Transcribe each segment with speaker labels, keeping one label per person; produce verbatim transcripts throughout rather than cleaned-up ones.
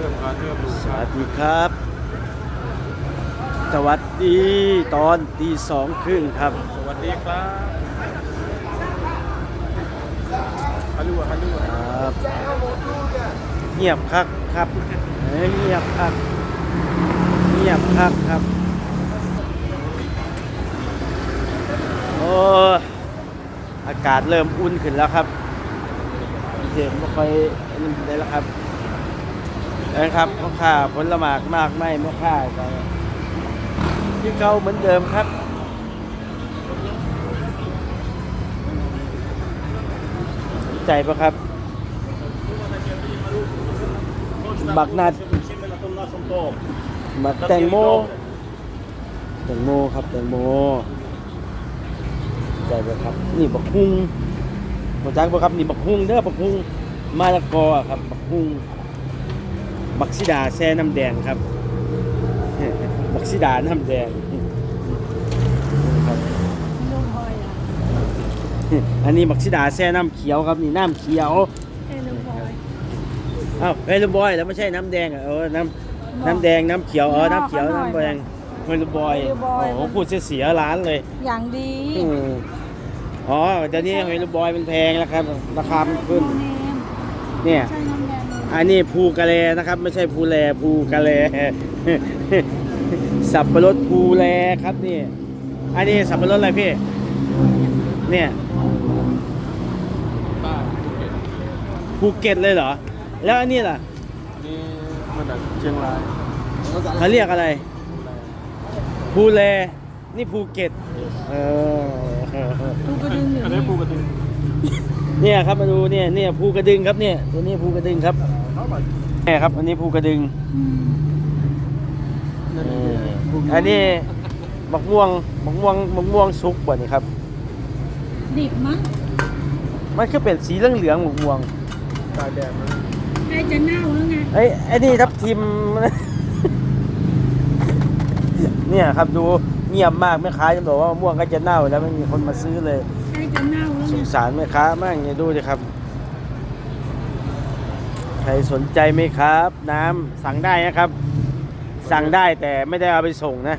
Speaker 1: ทิมขาเทิมดู
Speaker 2: สวัสดีครับสวัสดีตอนตีสองครึ่งครับ
Speaker 1: สวัสดีครับฮัลโหลฮัลโหล
Speaker 2: ครับเงียบคักครับเอ้ยเงียบคักเงียบคักครับโอ้อากาศเริ่มอุ่นขึ้นแล้วครับเสียงไม่ค่อยนี่ได้แล้วครับนะครับมะข่าผลหมากมากไม่มะข่าก็ที่เก่าเหมือนเดิมครับใจปะครับบักนัดบักแตงโมแตงโมครับแตงโมใจปะครับนี่บักฮุ้งบักจักปะครับนี่บักฮุ้งเด้อบักฮุ้งมะละกอครับบักฮุ้งบักซิดาแซ่น้ำแดงครับบักซิดาน้ำแดงครับอันนี้บักซิดาแซ่น้ำเขียวครับนี่น้ำเขียวอ้าวเฮลบอยแล้วไม่ใช่น้ำแดงเออน้ำน้ำแดงน้ำเขียวเออน้ำเขียวน้ำแดงเฮลบอยโอ้โหพูดเสียร้านเลย
Speaker 3: อย่างดี
Speaker 2: อ๋อเดี๋ยวนี้เฮลบอยมันแพงแล้วครับราคามันขึ้นเนี่ยอันนี้ภูกะเลนะครับไม่ใช่ภูแลภูกะเลสับปะรดภูแลครับนี่อันนี้สับปะรดอะไรพี่เนี่ยภูเก็ตเลยเหรอแล้วอันนี้ล่ะ
Speaker 1: นี่มาจากเชียงราย
Speaker 2: เขาเรียกอะไรภูแลนี่ภูเก็ตเออ
Speaker 3: ภูกระดึง
Speaker 1: อันนี้ภูกระดึง
Speaker 2: เนี่ยครับมาดูเนี่ยเนี่ยภูกระดึงครับเนี่ยตัวนี้ภูกระดึงครับเนี่ยครับอันนี้ภูกระดึงอันนี้มะม่วงมะม่วงมะม่วงสุกบ่นี่ครับ
Speaker 3: ดิบมั้ง
Speaker 2: มันคือเป็นสีเหลืองเหลืองมะม่วง
Speaker 1: ตาแดงนะ
Speaker 3: ใกล้จะเน่าแล้วไง
Speaker 2: ไอ้ไอ้นี่ทับทิมเนี่ยครับดูเงียบมากแม่ค้าจะบอกว่ามะม่วงก็จะเน่าแล้วไม่มีคนมาซื้อเลย
Speaker 3: ใกล้จะเน่าแล้ว
Speaker 2: สงสารแม่ค้ามากเนี่ยดูดิครับใครสนใจไหมครับน้ำสั่งได้นะครับสั่งได้แต่ไม่ได้เอาไปส่งนะ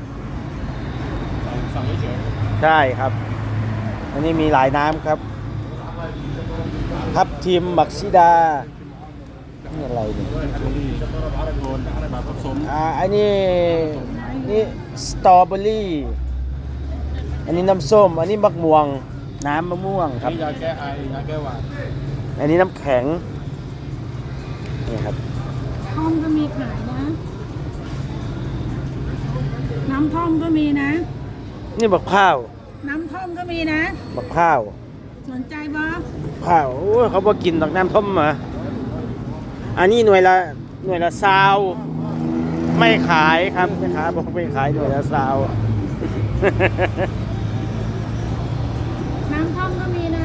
Speaker 1: สั่งเฉย
Speaker 2: ใช่ครับอันนี้มีหลายน้ำครับทับทิมบักซิดานี่อะไรเนี่ย
Speaker 1: แบบผสม
Speaker 2: อ่าอันนี้นี่สตรอเบอรี่อันนี้น้ำส้มอันนี้มะม่วงน้ำมะม่วงครับ
Speaker 1: ยาแก้ไอยาแก้หวัด
Speaker 2: อันนี้น้ำแข็งนี่ครับ
Speaker 3: ท่อมก็มีขายนะน้ำท่อมก็มีนะ
Speaker 2: นี่บักข้าว
Speaker 3: น้ำท่อมก็มีนะ
Speaker 2: บักข้าว
Speaker 3: สนใจบ่
Speaker 2: ข้าวโอ้เขาบอกกินดอกน้ำท่อมมาอันนี้หน่วยละหน่วยละซาวไม่ขายครับแม่ค้าบอกไม่ขายหน่วยละซาว
Speaker 3: น้ำท่อมก็มีนะ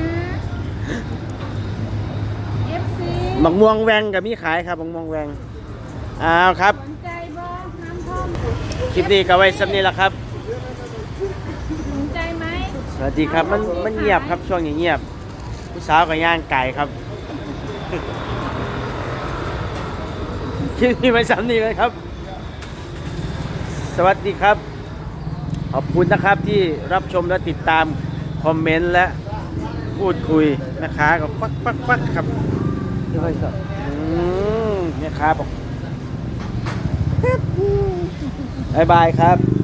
Speaker 3: เอฟ ซี
Speaker 2: มะม่วงแวงกับมีขายครับมะม่วงแวงอ้าวครับ
Speaker 3: สนใจบ่น้ำท่อม
Speaker 2: คลิปนี้ก็ไว้สำนี้ละครับ
Speaker 3: สนใจไหม
Speaker 2: สวัสดีครับมันมันเงียบครับช่วงนี้เงียบผู้สาวกับย่างไก่ครับคลิปนี้ไว้สำนี้เลยครับสวัสดีครับขอบคุณนะครับที่รับชมและติดตามคอมเมนต์และพูดคุยนะคะก็ปักปักปักครับนี่ค่อยสดเนี่ยครับบอกบายบายครับ